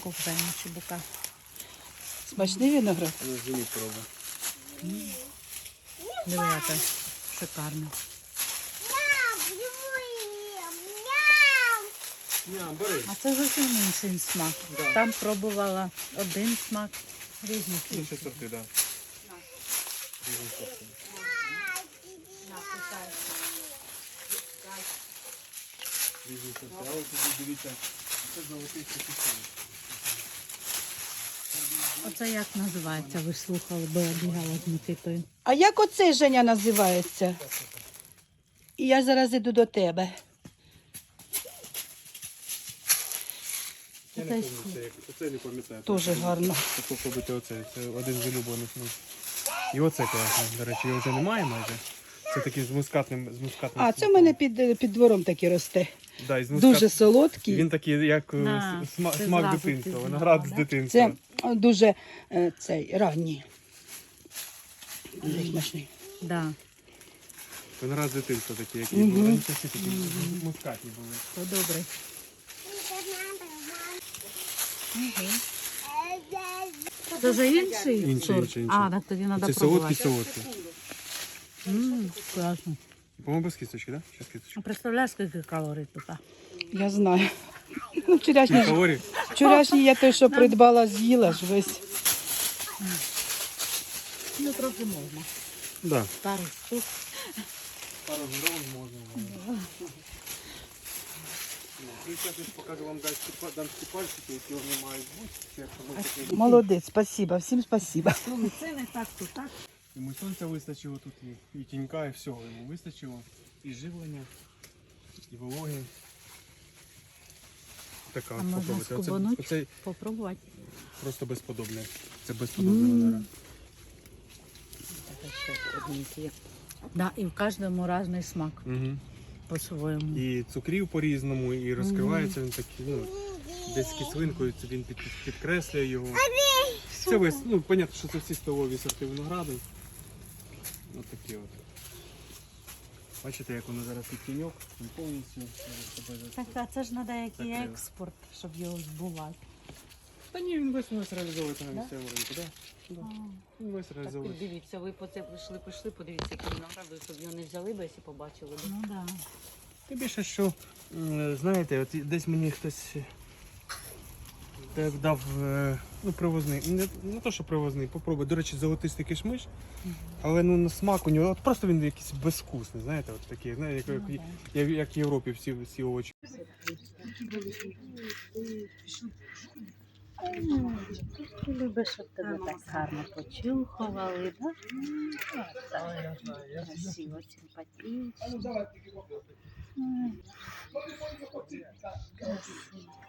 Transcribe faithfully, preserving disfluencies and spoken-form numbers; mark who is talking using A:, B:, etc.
A: Чебуку вжаємо, чебука.
B: Смачний виноград?
C: Зимі проба.
A: Диви, яка шикарна.
C: Ня, бери.
A: А це зовсім інший смак.
C: Да.
A: Там пробувала один смак, різні
C: Інші
A: смаки.
C: сорти, так. Різні сорти. Різні сорти. А ось тут дивіться, це золотий капітан.
A: Оце як називається, ви ж слухали, бо я бігала з Микитою.
B: А як оцей, Женя, називається? І я зараз іду до тебе.
C: Я не пам'ятаю, це як- оце не пам'ятаю.
B: Дуже гарно.
C: Попробуйте оце, це один з улюблених мій. І оце класно, до речі, його вже немає майже. Це такий з мускатним, з мускатним
B: А, це в
C: смаком.
B: мене під, під двором такий росте.
C: Да, і з мускат-
B: Дуже солодкий.
C: Він такий, як е,
A: Да,
C: сма-
A: це
C: смак
A: зразу
C: дитинства,
A: пізнала,
C: виноград з
A: да?
C: дитинства.
B: Це дуже е, цей, ранній. Дуже смачний.
A: Да,
C: Виноград з дитинства такий, який
B: Мгм.
C: був. Вони всі такі мускатні були.
A: то добре. Угу. Це вже інший
C: Інший,
A: сорт?
C: інший, інший.
A: А, так тоді треба
C: Це солодкий,
A: пробувати.
C: солодкий.
A: Ммм, класно.
C: По-моєму, без кісточки, так? Да? Щас кісточка.
A: Представляєш, скільки калорій тут?
B: Я знаю. Ну, вчорашній,
C: Калорій?
B: вчорашній я той, що придбала, з'їла ж весь.
A: Ну, трохи можна.
C: Да.
A: Пару штук.
C: Пару грам можна. Ну, зараз я покажу вам дамські дамські пальчики, які вони мають бути. Це як воно таке.
B: Молодець, спасибо, всім спасибо.
A: Ну, це не так, то так.
C: Йому сонця вистачило тут, і, і тінька, і всього йому вистачило. І живлення, і вологи. Така
A: А
C: от
A: можна
C: попробуйте. Оце,
A: скубануть?
C: оце
A: Попробувати.
C: просто безподобне. Це безподобне виноград.
A: Да, і в кожному різний смак
C: Угу.
A: по-своєму.
C: І цукрів по-різному, і розкривається він такий, ну, десь кислинкою, це він під, підкреслює його. Це весь, ну, понятно, що це всі столові сорти винограду. Ось такі от. Бачите, як воно зараз під тіньок, він повністю себе
A: Так, а це ж треба який
C: Закрили.
A: експорт, щоб його збувати.
C: Та ні, він весь у нас реалізовується на місцевому ринку, так? Да? Він весь
A: Так,
C: реалізовується.
A: дивіться, ви по це прийшли, пішли, подивіться, які виногради, щоб його не взяли, бо якщо побачили. Ну так. Да.
C: Тим більше, що, м, знаєте, от десь мені хтось так дав, е, ну, привозний, не, не то, що привозний, попробуй. До речі, золотистий кишмиш, але ну, на смак у нього, от просто він якийсь безвкусний, знаєте, от такий, знаєте, як,
A: Ну,
C: як, як, як в Європі всі, всі овочі.
A: Любиш, щоб тебе так гарно почухували, так? Так, красиво, симпатично. Ой, красиво.